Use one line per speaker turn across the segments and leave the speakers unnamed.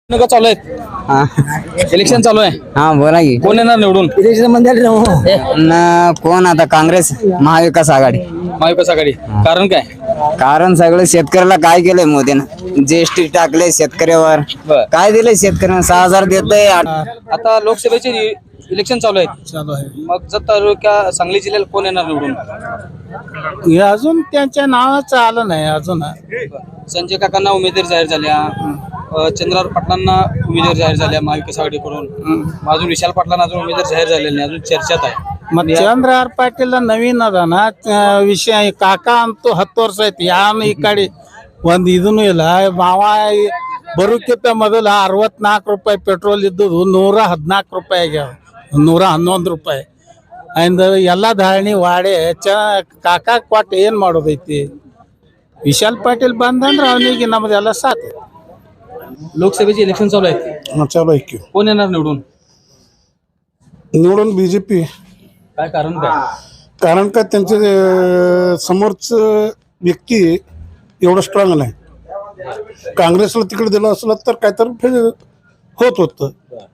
निवडणुका चालू आहेत. इलेक्शन चालू आहे.
हा बोला की
कोण येणार निवडून?
कोण आता काँग्रेस महाविकास आघाडी.
महाविकास आघाडी. कारण काय?
कारण सगळं शेतकऱ्याला काय केलंय मोदीनं, जीएसटी टाकले शेतकऱ्यावर.
बर.
काय दिलंय शेतकऱ्यांना? 6,000 देतय.
आता लोकसभेचे इलेक्शन चालू आहेत.
चालू आहे.
मग जत तालुक्या सांगली जिल्ह्याला कोण येणार निवडून?
हे अजून त्यांच्या नावाचं आलं नाही अजून.
संजय काकांना उमेदवारी जाहीर झाल्या, चंद्रराव पाटलांना उमेदवारी जाहीर झाल्या महाविकास आघाडीकडून. अजून विशाल पाटलांना अजून उमेदवारी जाहीर झालेली नाही, अजून चर्चेत आहे.
मग चंद्रहार पाटील नवीन ಅದ ना विषय काका ಅಂತೂ 10 ವರ್ಷ ಆಯ್ತು ಯಾನು ಈ ಕಡೆ ಒಂದು ಇದನ್ನು ಇಲ್ಲ ಮಾವ ಬರುಕ್ಕಿಂತ ಮೊದಲು 64 ರೂಪಾಯಿ ಪೆಟ್ರೋಲ್ ಇದ್ದದ್ದು 114 ರೂಪಾಯಿ ಆಗ್ಯಾವ, 111 ರೂಪಾಯಿ. ಅಂದ ಎಲ್ಲ ಧಾರಣಿ ವಾಡೆ ಕಾಕಾ ಕೊಟ್ಟು ಏನು ಮಾಡೋದೈತಿ. ವಿಶಾಲ್ ಪಾಟೀಲ್ ಬಂದಂದ್ರೆ ಅವನಿಗೆ ನಮ್ದೆಲ್ಲ ಸಾಕು.
लोकसभेचे इलेक्शन चालू आहेत.
चालू आहे की
कोण येणार निवडून?
निवडून बीजेपी.
काय कारण काय?
कारण का त्यांचे समोरचं व्यक्ती एवढं स्ट्रॉंग नाही. काँग्रेसला तिकडे दिलं असलं तर काहीतरी होत होतं.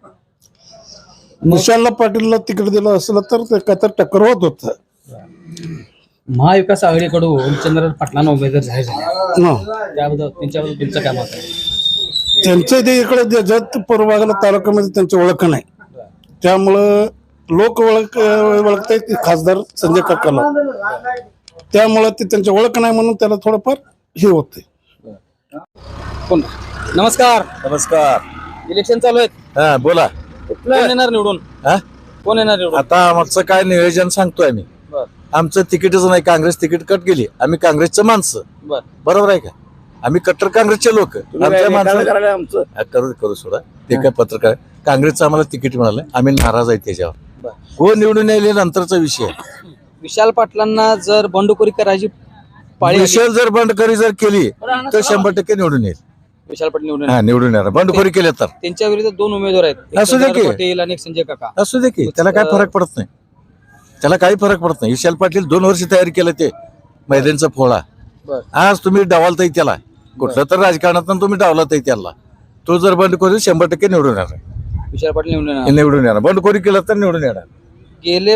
विशाल पाटीलला तिकडे दिलं असलं तर ते काहीतरी टक्कर होत होतं.
महाविकास आघाडीकडून चंद्रराव पाटलांना उमेदवार जाहीर झाला,
हं.
त्याबद्दल त्यांच्याबद्दल तुमचं काय मत आहे?
त्यांचं ते इकडे जत पूर्वागला तालुक्यामध्ये त्यांची ओळख नाही, त्यामुळं लोक ओळखतायत खासदार संजय काकाला. त्यामुळं ते त्यांची ओळख नाही म्हणून त्याला थोडंफार हे होते.
कोण? नमस्कार.
नमस्कार.
इलेक्शन चालू आहेत.
हा बोला.
कोण येणार निवडून?
हा?
कोण येणार निवडून?
आता आमचं काय नियोजन सांगतोय आम्ही.
बर
आमचं तिकीटच नाही, काँग्रेस तिकीट कट गेली. आम्ही काँग्रेसचं माणसं,
बर
बरोबर आहे का? आम्ही कट्टर काँग्रेसचे लोक. आमच्या माणसं करू सोडा, ते काय पत्रकार. काँग्रेसचं आम्हाला तिकीट मिळालं, आम्ही नाराज आहे त्याच्यावर.
बर.
कोण निवडून यायले नंतरचा विषय.
विशाल पाटलांना जर बंडखोरी करायची पाळी आली,
विषय जर बंडखोरी जर केली तर 100% निवडून येईल.
विशाल पाटील निवडून
हा, निवडून येणार. बंडखोरी केले तर
त्यांच्या विरुद्ध 2 उमेदवार आहेत, एक
असू दे की.
चंद्रराव पाटील आणि एक संजय काका.
असू दे की, त्याला काय फरक पडत नाही. त्याला काही फरक पडत नाही. विशाल पाटील 2 वर्ष तयारी केलं ते मैदानचा फोळा.
बर
आज तुम्ही डावलताय त्याला, कुठलं तर राजकारणात तुम्ही डावलताय त्याला. तो जर बंडखोरी 100% निवडून येणार.
विशाल पाटील निवडून येणार.
निवडून येणार. बंडखोरी केलं तर निवडून येणार.
गेल्या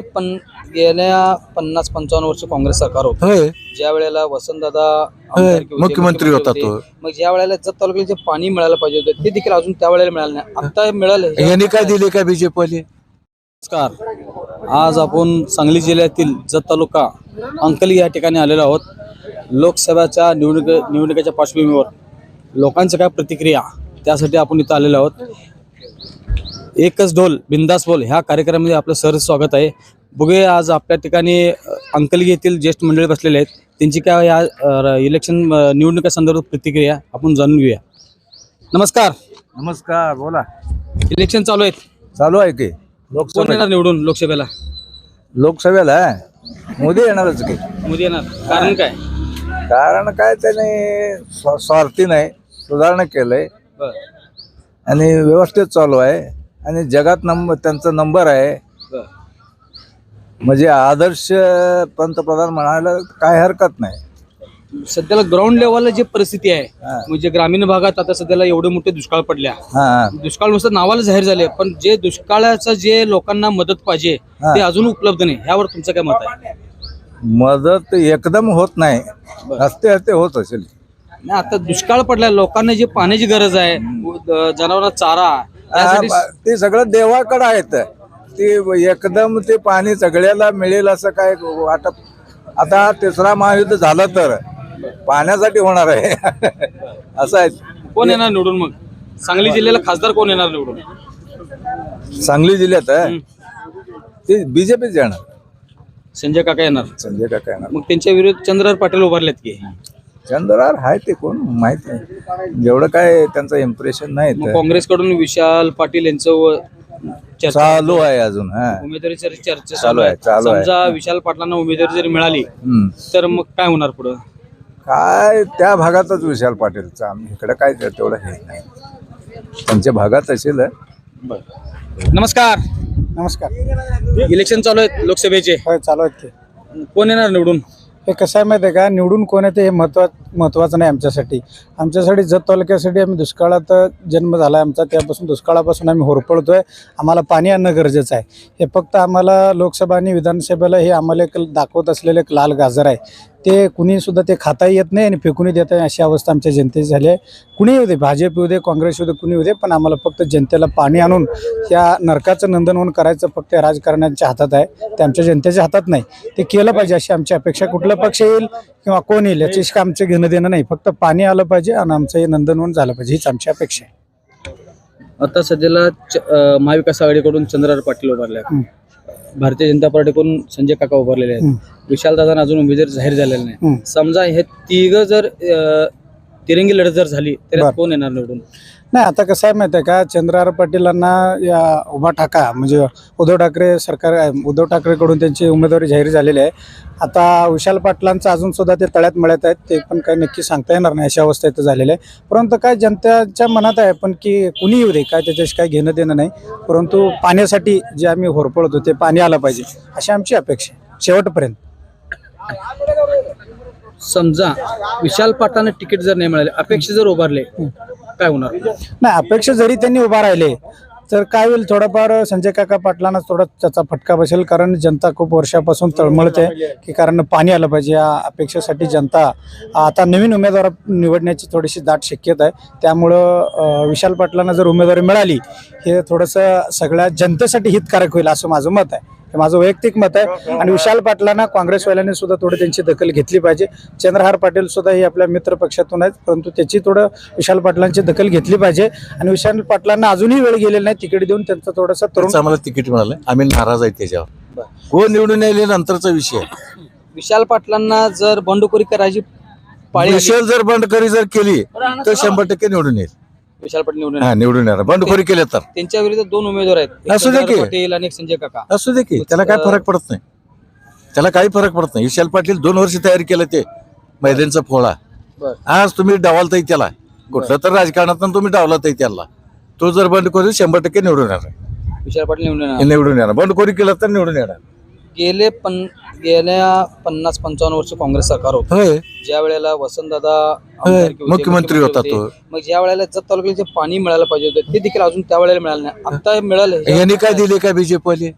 50-55 वर्ष काँग्रेस सरकार होतं.
होय,
ज्या वेळेला वसंतदादा
होय.
आमदारकी होते,
मुख्यमंत्री होता तो.
मग ज्या वेळेला जत तालुक्याला जे पाणी मिळायला पाहिजे होतं ते देखील अजून त्या वेळेला मिळालं नाही. आता मिळालं.
यांनी काय दिले काय बीजेपी वाले?
नमस्कार. आज आपण सांगली जिल्ह्यातील जत तालुका अंकली या ठिकाणी आलेलो आहोत. लोकसभेच्या निवडणुकीच्या पार्श्वभूमीवर लोकांच्या काय प्रतिक्रिया, त्यासाठी आपण इथं आलेलो आहोत. एकच ढोल बिंदास बोल ह्या कार्यक्रमामध्ये आपलं सहर्ष स्वागत आहे. बघूया आज आपल्या ठिकाणी अंकली येथील ज्येष्ठ मंडळी बसलेले आहेत, त्यांची काय या इलेक्शन निवडणुका संदर्भात प्रतिक्रिया आपण जाणून घेऊया. नमस्कार.
नमस्कार. बोला.
इलेक्शन चालू आहेत.
चालू आहे की.
कोण येणार निवडून लोकसभेला?
लोकसभेला मोदी येणारच की.
मोदी येणार. कारण काय?
कारण काय, त्याने स्वार्थी नाही, सुधारणा केलंय
बर
आणि व्यवस्थित चालू आहे आणि जगात त्यांचा नंबर आहे.
बर
म्हणजे आदर्श पंतप्रधान म्हणायला काय हरकत नाही.
सध्याला ग्राउंड लेवलला जी परिस्थिती आहे,
हा.
म्हणजे ग्रामीण भागात आता सध्याला एवढे मोठे दुष्काळ पडल्या.
हा,
दुष्काळ नुसतं नावाला जाहीर झाले, पण जे दुष्काळाचं जे लोकांना मदत पाहिजे
हा.
ते अजून उपलब्ध नाही. ह्यावर तुमचं काय मत आहे?
मदत एकदम होत नाही, हस्ते हस्ते होत असेल.
नाही, आता दुष्काळ पडलाय, लोकांना जी पाण्याची गरज आहे, जनावरांना चारा, त्यासाठी
ते सगळं देवाकडे आहेत. ते एकदम ते पाणी सगळ्याला मिळेल असं काय वाटप. आता 3रा महायुद्ध झालं तर पाण्यासाठी होणार आहे. असं आहे.
कोण येणार निवडून? मग सांगली जिल्ह्याला खासदार कोण येणार निवडून?
सांगली जिल्ह्यात ते बीजेपीच येणार.
संजय काका येणार.
संजय काका येणार.
मग त्यांच्या विरुद्ध चंद्रराव पाटील उभारलेत की?
चंद्रराव आहे ते कोण माहित नाही, जेवढं काय त्यांचं इम्प्रेशन नाही.
मग काँग्रेसकडून विशाल पाटील यांचं चर्चा
चालू आहे अजून.
उमेदवारीची चर्चा
चालू आहे.
समजा विशाल पाटलांना उमेदवारी जरी मिळाली तर मग काय होणार पुढं?
काय त्या भागातच विशाल पाटीलचा, इकडे काय तेवढं हे नाही. त्यांच्या भागात असेल.
नमस्कार.
नमस्कार.
इलेक्शन चालू आहेत लोकसभेचे.
होय चालू आहेत.
कोण येणार निवडून?
हे कसं आहे माहिती आहे का, निवडून कोण येते हे महत्त्वाचं नाही आमच्यासाठी जत तालुक्यासाठी आम्ही दुष्काळात जन्म झाला आहे आमचा, त्यापासून दुष्काळापासून आम्ही होरपळतोय. आम्हाला पाणी आणणं गरजेचं आहे. हे फक्त आम्हाला लोकसभा आणि विधानसभेला हे आम्हाला एक दाखवत असलेलं एक लाल गाजर आहे, ते कुणीसुद्धा ते खाताही येत नाही आणि फेकूनही देत नाही, अशी अवस्था आमच्या जनतेची झाली आहे. कुणी येऊ दे, भाजप येऊ दे, काँग्रेस येऊ दे, कुणी येऊ दे, पण आम्हाला फक्त जनतेला पाणी आणून या नरकाचं नंदनवन करायचं फक्त राजकारण्यांच्या हातात आहे, ते आमच्या जनतेच्या हातात नाही. ते केलं पाहिजे अशी आमची अपेक्षा. कुठला पक्ष येईल किंवा कोण येईल याची आमचं घेणं देणं नाही, फक्त पाणी आलं पाहिजे आणि आमचं हे नंदनवन झालं पाहिजे, हीच आमची अपेक्षा आहे.
आता सध्याला महाविकास आघाडीकडून चंद्रहार पाटील उभारले आहेत, भारतीय जनता पार्टीकडून संजय काका उभारलेले आहेत, विशालदादा अजून उमेदवार जाहीर झालेले नाही. समजा हे तिघ जर तिरंगी लढत जर झाली तर कोण येणार निवडून?
नाही, आता कसं आहे माहिती आहे का, चंद्रहार पाटीलांना या उभा ठाका म्हणजे उद्धव ठाकरेकडून त्यांची उमेदवारी जाहीर झालेली आहे. आता विशाल पाटलांचं अजून सुद्धा ते तळ्यात मळ्यात आहेत, ते पण काही नक्की सांगता येणार नाही, अशा अवस्था इथं झालेल्या आहे. परंतु काय जनतेच्या मनात आहे, पण की कुणी येऊ दे, काय त्याच्याशी काही घेणं देणं नाही. परंतु पाण्यासाठी जे आम्ही होरपळतो ते पाणी आलं पाहिजे अशी आमची अपेक्षा आहे शेवटपर्यंत.
समजा विशाल पाटलांना तिकीट जर नाही मिळाले, अपेक्षा जर उभारले, काय होणार?
नाही, अपेक्षा जरी त्यांनी उभा राहिले तर काय होईल, थोडंफार संजय काका पाटलांना थोडा त्याचा फटका बसेल, कारण जनता खूप वर्षापासून तळमळते की कारण पाणी आलं पाहिजे. या अपेक्षेसाठी जनता आता नवीन उमेदवार निवडण्याची थोडीशी दाट शक्यता आहे. त्यामुळं विशाल पाटलांना जर उमेदवारी मिळाली, हे थोडंसं सगळ्या जनतेसाठी हितकारक होईल असं माझं मत आहे, हे माझं वैयक्तिक मत आहे. आणि विशाल पाटलांना काँग्रेसवाल्यांनी सुद्धा थोडी त्यांची दखल घेतली पाहिजे. चंद्रहार पाटील सुद्धा हे आपल्या मित्र पक्षातून आहेत, परंतु त्याची थोडं विशाल पाटलांची दखल घेतली पाहिजे. आणि विशाल पाटलांना अजूनही वेळ गेलेला नाही, तिकीट देऊन त्यांचा थोडासा तरुण
आम्हाला तिकीट मिळालं, आम्ही नाराज आहे त्याच्यावर. कोण निवडून यायले नंतरचा विषय.
विशाल पाटलांना जर बंडखोरी करायची पाळी आली,
विशाल जर बंडखोरी जर केली तर 100% निवडून येईल.
विशाल पाटील निवडून
हा, निवडून येणार. बंडखोरी केले तर
त्यांच्या विरुद्ध दोन उमेदवार आहेत, एक
असू दे की.
चंद्रहार पाटील आणि एक संजय काका.
असू दे की, त्याला काय फरक पडत नाही, त्याला काही फरक पडत नाही. विशाल पाटील 2 वर्ष तयारी केलं ते मैदानचा फोळा.
बरं.
आज तुम्ही डावलताय त्याला, कुठलं तर राजकारणात तुम्ही डावलताय त्याला. तो जर बंडखोरी 100% निवडून येणार.
विशाल पाटील निवडून येणार.
निवडून येणार. बंडखोरी केलं तर निवडून येणार.
गेल्या 50-55 वर्ष काँग्रेस सरकार होतं,
होय,
ज्या वेळेला वसंतदादा आमदारकी होते,
मुख्यमंत्री होता तो.
मग ज्या वेळेला जत तालुक्याला जे पाणी मिळायला पाहिजे होतं ते देखील अजून त्या वेळेला मिळालं नाही. आता मिळालं.
यांनी काय दिले का बीजेपीवाले?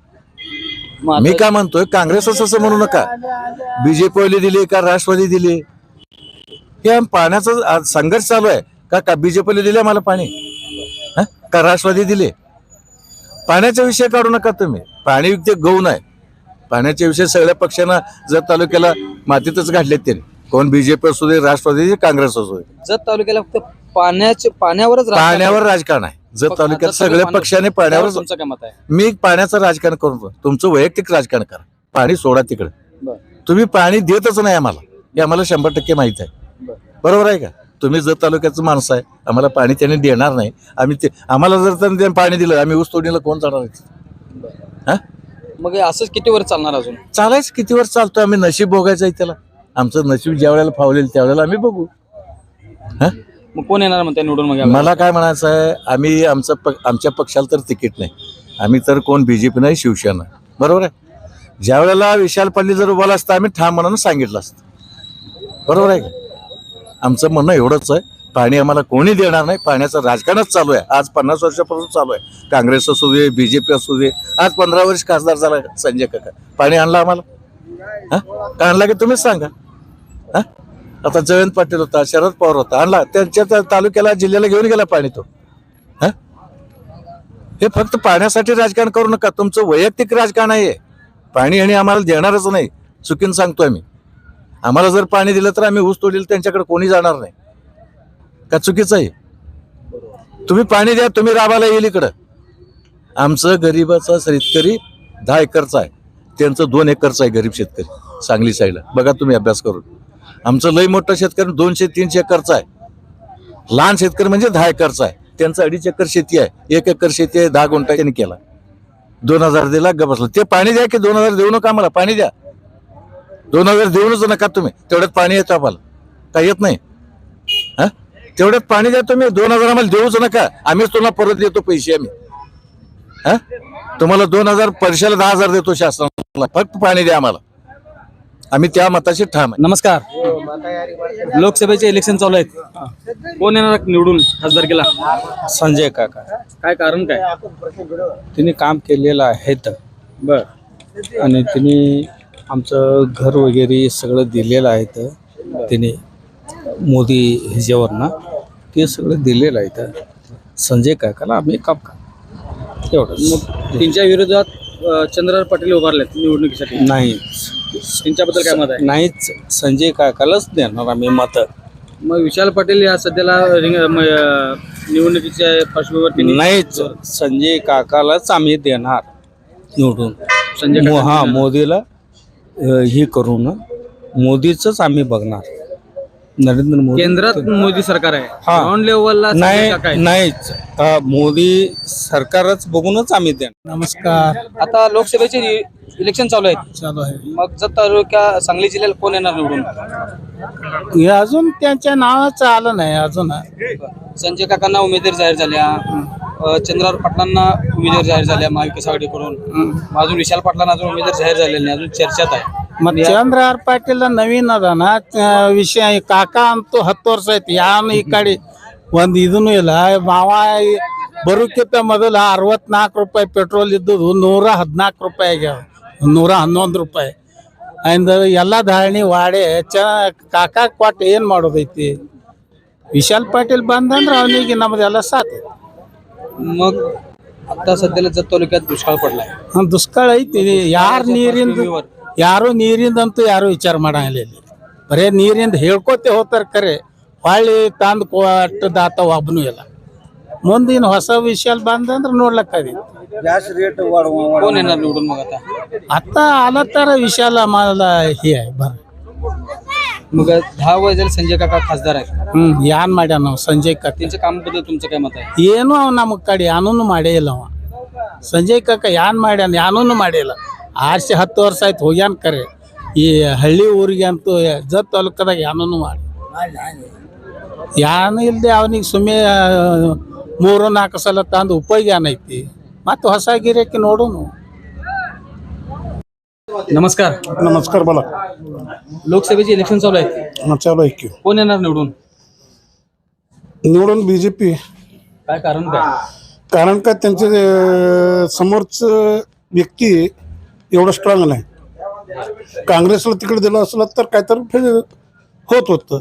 मी काय म्हणतोय, काँग्रेस असं म्हणू नका. बीजेपीवाले दिले का राष्ट्रवादी दिले? हे पाण्याचा संघर्ष चालू आहे का बीजेपीला दिले मला पाणी, का राष्ट्रवादी दिले? पाण्याचा विषय काढू नका तुम्ही. पाणी ते गौण आहे. पाण्याच्या विषय सगळ्या पक्षांना जत तालुक्याला मातीतच घातलेत त्यांनी, कोण बीजेपी असू दे, राष्ट्रवादी, काँग्रेस असू दे.
जत तालुक्याला फक्त पाण्यावर
राजकारण आहे. जत तालुक्यात सगळ्या पक्षाने पाण्यावर.
तुमचं काय मत आहे?
मी पाण्याचं राजकारण करू, तुमचं वैयक्तिक राजकारण करा. पाणी सोडा तिकडे. तुम्ही पाणी देतच नाही आम्हाला, हे आम्हाला 100% माहित आहे. बरोबर आहे का? तुम्ही जत तालुक्याचं माणसं आहे, आम्हाला पाणी त्यांनी देणार नाही. आम्हाला जर त्यांनी पाणी दिलं, आम्ही ऊस तोडणीला कोण जाणार? हा,
मग असंच किती वर चालणार? अजून
चालायचं किती वर्ष चालतोय? आम्ही नशीब भोगायचं आहे त्याला. आमचं नशीब ज्या वेळेला फावलेल त्यावेळेला आम्ही बघू. हा,
मग कोण येणार म्हणते निवडून? मग
मला काय म्हणायचं आहे, आम्ही आमच्या पक्षाला तर तिकीट नाही, आम्ही तर कोण बीजेपी नाही, शिवसेना. बरोबर आहे. ज्या वेळेला विशाल पाटील जर उभारला असता, आम्ही ठाम म्हणून सांगितलं असतं. बरोबर आहे का? आमचं म्हणणं एवढंच आहे, पाणी आम्हाला कोणी देणार नाही. पाण्याचं राजकारणच चालू आहे, आज 50 वर्षापासून चालू आहे. काँग्रेस असू दे, बीजेपी असू दे. आज 15 वर्ष खासदार झाला संजय काका, पाणी आणलं आम्हाला? हा, का आणला की तुम्हीच सांगा. हा, आता जयंत पाटील होता, शरद पवार होता, आणला त्यांच्या तालुक्याला, जिल्ह्याला घेऊन गेला पाणी तो. हा, हे फक्त पाण्यासाठी राजकारण करू नका, तुमचं वैयक्तिक राजकारण आहे. पाणी आणि आम्हाला देणारच नाही, चुकीन सांगतोय मी. आम्हाला जर पाणी दिलं तर आम्ही ऊस तोडील, त्यांच्याकडे कोणी जाणार नाही. का चुकीचं आहे? तुम्ही पाणी द्या, तुम्ही राबाला येईल इकडं. आमचं गरीबाचा शेतकरी 10 एकरचा आहे, त्यांचं 2 एकरचा आहे गरीब शेतकरी सांगली साईडला. बघा तुम्ही अभ्यास करून. आमचं लई मोठं शेतकरी 200-300 एकरचा आहे. लहान शेतकरी म्हणजे 10 एकरचा आहे, त्यांचं 2.5 एकर शेती आहे, 1 एकर शेती आहे, 10 गुंठा त्यांनी केला. 2000 दिला, बसला. ते पाणी द्या की 2000 देऊ नका आम्हाला, पाणी द्या. 2000 देऊनच नका तुम्ही, तेवढ्यात पाणी येतं आम्हाला, काय येत नाही. हा, तेवढ्यात पाणी द्या तुम्ही. 2000 आम्हाला देऊच नका, आम्हीच तुम्हाला परत देतो पैसे. आम्ही तुम्हाला 2000 वर्षाला 10,000 देतो शासनाला, फक्त पाणी द्या आम्हाला. आम्ही त्या मताशी ठाम आहे.
नमस्कार. लोकसभेचे इलेक्शन चालू आहेत. कोण येणार निवडून खासदारकीला?
संजय काका
काय कारण काय?
तिने काम केलेलं आहे
बर.
आणि तिने आमचं घर वगैरे सगळं दिलेलं आहे तिने मोदी ह्याच्यावर ना ते सगळं दिलेलं आहे संजय काकाला आम्ही काम का एवढंच.
मग त्यांच्या विरोधात चंद्रराव पाटील उभारलेत निवडणुकीसाठी.
नाही
त्यांच्याबद्दल काय मत आहे?
नाहीच संजय काकालाच देणार आम्ही मत.
मग विशाल पाटील या सध्याला निवडणुकीच्या पार्श्वभूमीवर
नाहीच संजय काकालाच आम्ही देणार निवडून.
संजय काका
हा मोदीला हे करून मोदीच आम्ही बघणार. नरेंद्र मोदी
केंद्रात मोदी सरकार आहे.
हा.
ग्राउंड लेवलला संजय काका आहेत.
नाहीच मोदी सरकारच बघूनच आम्ही देणार. नमस्कार.
आता लोकसभेचे इलेक्शन चालू आहेत.
चालू आहे.
मग जत तालुक्या सांगली जिल्ह्याला कोण येणार निवडून?
हे अजून त्यांच्या नावाचं आलं नाही अजून.
संजय काकांना उमेदवार जाहीर झाल्या, चंद्रराव पाटलांना उमेदवार जाहीर झाल्या महाविकास आघाडीकडून. अजून विशाल पाटलांना अजून उमेदवार जाहीर झालेले नाही, अजून चर्चेत आहे.
मग ಚಂದ್ರಹಾರ್ ಪಾಟೀಲ್ ನವೀನ್ ಅದಾನ ವಿಷಯ ಕಾಕಾ ಅಂತೂ 10 ವರ್ಷ ಐತಿ ಯಾನು ಈ ಕಡೆ ಒಂದು ಇದೂ ಇಲ್ಲ. ಮಾವ ಬರೋಕ್ಕಿಂತ ಮೊದಲು 64 ರೂಪಾಯಿ ಪೆಟ್ರೋಲ್ ಇದ್ದದ್ದು 114 ರೂಪಾಯಿ ಆಗ್ಯಾವ, 111 ರೂಪಾಯಿ. ಅಂದ ಎಲ್ಲ ಧಾರಣಿ ವಾಡೆ ಕಾಕಾ ಕೊಟ್ಟು ಏನು ಮಾಡೋದೈತಿ. ವಿಶಾಲ್ ಪಾಟೀಲ್ ಬಂದಂದ್ರೆ ಅವನಿಗೆ ನಮ್ದೆಲ್ಲ ಸಾಥ್.
मग आता सध्याला जत तालुक्यात दुष्काळ पडलाय.
ದುಷ್ಕಾಳ ಐತಿ. ಯಾರು ನೀರಿಂದಂತೂ ಯಾರು ವಿಚಾರ ಮಾಡಂಗಿಲ್ಲ ಇಲ್ಲಿ. ಬರೇ ನೀರಿಂದ ಹೇಳ್ಕೊತೆ ಹೋಗ್ತಾರೆ ಕರೆ ಹೊಳ್ಳಿ ತಂದು ಕೊಟ್ಟದಾತ ಒಬ್ಬನೂ ಇಲ್ಲ. ಮುಂದಿನ ಹೊಸ ವಿಷಯ ಬಂದಂದ್ರೆ ನೋಡ್ಲಕ್ಕದಿ.
गॅस रेट
कोण येणार निवडून मग आता?
आता आला तर विशाल आम्हाला हे आहे बरं.
मग 10 वय झाले संजय काका खासदार आहेत.
ಏನ್ ಮಾಡ್ಯಾನ ನಾವು ಸಂಜಯ್ ಕಾಕ?
त्यांच्या कामाबद्दल तुमचं काय मत आहे?
ಏನು ಅವ ನಮ್ಮ ಕಡೆ ಯಾನೂ ಮಾಡೇ ಇಲ್ಲ ಅವ. ಸಂಜಯ್ ಕಾಕ ಏನ್ ಮಾಡ್ಯಾನ? ಯಾನೂ ಮಾಡಿಲ್ಲ. ಆರ್ಸಿ 10 ವರ್ಷ ಆಯ್ತು ಹೋಗ್ಯಾನ ಕರೆ. ಈ ಹಳ್ಳಿ ಊರಿಗೆ ಅಂತೂ ಜತ್ ತಾಲೂಕದಾಗ ಯಾನೂ ಮಾಡಿ ಯಾನು ಇಲ್ಲದೆ ಅವನಿಗೆ ಸುಮ್ಮನೆ 3-4 ಸಲ ತಂದು ಉಪಯೋಗ ಏನೈತಿ. ಮತ್ತು ಹೊಸ ಗಿರಾಕಿ ನೋಡೋನು.
नमस्कार.
नमस्कार. बोला.
लोकसभेचे इलेक्शन चालू आहेत.
चालू आहे की
कोण येणार निवडून?
निवडून बीजेपी.
काय कारण काय?
कारण का त्यांचे समोरचं व्यक्ती एवढं स्ट्रॉंग नाही. काँग्रेसला तिकडे दिलं असलं तर काहीतरी होत होतं.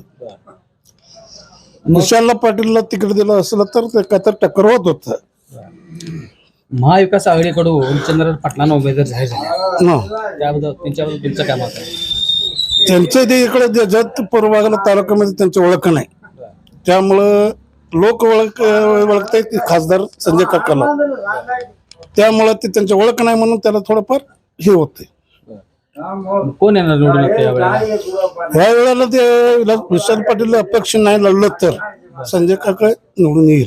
विशाल पाटीलला तिकडे दिलं असलं तर काहीतरी टक्कर होत होतं.
महाविकास आघाडीकडून चंद्रराव पाटलांना उमेदवार जाहीर झाले.
हं.
त्याबद्दल त्यांच्याबद्दल तुमचं काय मत आहे?
त्यांच्या ते इकडे जत पूर्वभागाला तालुक्यामध्ये त्यांची ओळख नाही. त्यामुळं लोक ओळखतायत खासदार संजय काकाला. त्यामुळं ते त्यांची ओळख नाही म्हणून त्याला थोडंफार हे होते.
कोण येणार निवडून आता यावेळेला?
ह्या वेळेला ते विशाल पाटील अपेक्षा नाही लढलं तर संजय काका निवडून येईल.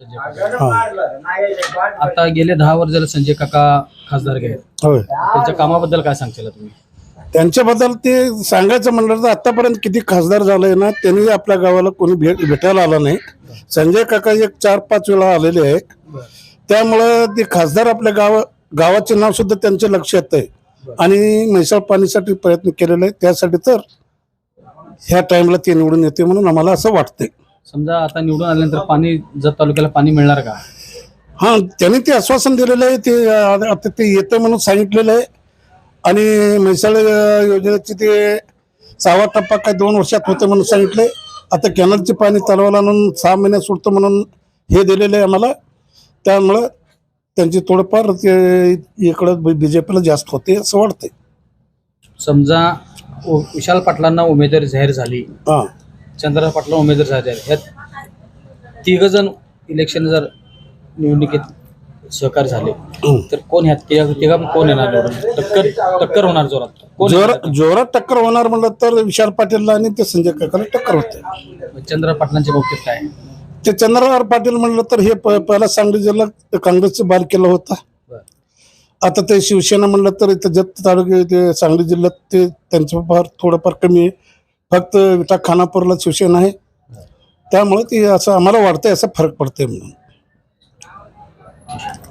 आता गेले 10 वर्ष झाले संजय काका खासदार आहेत.
होय.
त्यांच्या कामाबद्दल काय सांगशील तुम्ही?
त्यांच्याबद्दल ते सांगायचं म्हणलं तर आतापर्यंत किती खासदार झालंय ना, त्यांनी आपल्या गावाला कोणी भेटायला आला नाही. संजय काका 4-5 वेळा आलेले आहे. त्यामुळं ते खासदार आपल्या गावाचे नाव सुद्धा त्यांच्या लक्षात आहे. आणि म्हैसाळ पाणीसाठी प्रयत्न केलेला आहे. त्यासाठी तर ह्या टाइमला ते निवडून येते म्हणून आम्हाला असं वाटतंय.
समजा आता निवडून आल्यानंतर पाणी जत तालुक्याला पाणी मिळणार का?
हां, त्यांनी ते आश्वासन दिलेलं आहे. ते आता ते येतं म्हणून सांगितलेलं आहे. आणि म्हैसाळ योजनेचे ते 6वा टप्पा काय 2 वर्षात होतं म्हणून सांगितलंय. आता कॅनलचे पाणी तलावाला आणून 6 महिन्यात सुटतं म्हणून हे दिलेलं आहे आम्हाला. त्यामुळं त्यांची थोडंफार ते इकडं बीजेपीला जास्त होते असं वाटतंय.
समजा विशाल पाटलांना उमेदवारी जाहीर झाली,
हां,
चंद्रराव पाटला उमेदवार जाहीर झाले, ह्यात 3 जण इलेक्शन जर निवडणुकीत सहकार्य झाले तर कोण ह्यात तिघा कोण येणार निवडून? टक्कर होणार जोरात.
जोरात टक्कर होणार म्हणलं तर विशाल पाटीलला आणि ते संजय काकाला टक्कर होते.
चंद्रराव पाटलांच्या बाबतीत काय?
ते चंद्रहार पाटील म्हणलं तर हे पहिला सांगली जिल्हा काँग्रेसचं बाल केलं होता. आता ते शिवसेना म्हणलं तर इथं जत तालुक्यात ते सांगली जिल्ह्यात ते त्यांचं फार थोडंफार कमी आहे. फक्त विटा खानापूरला शिवसेना आहे. त्यामुळे ते असं आम्हाला वाटतंय असं फरक पडतंय म्हणून.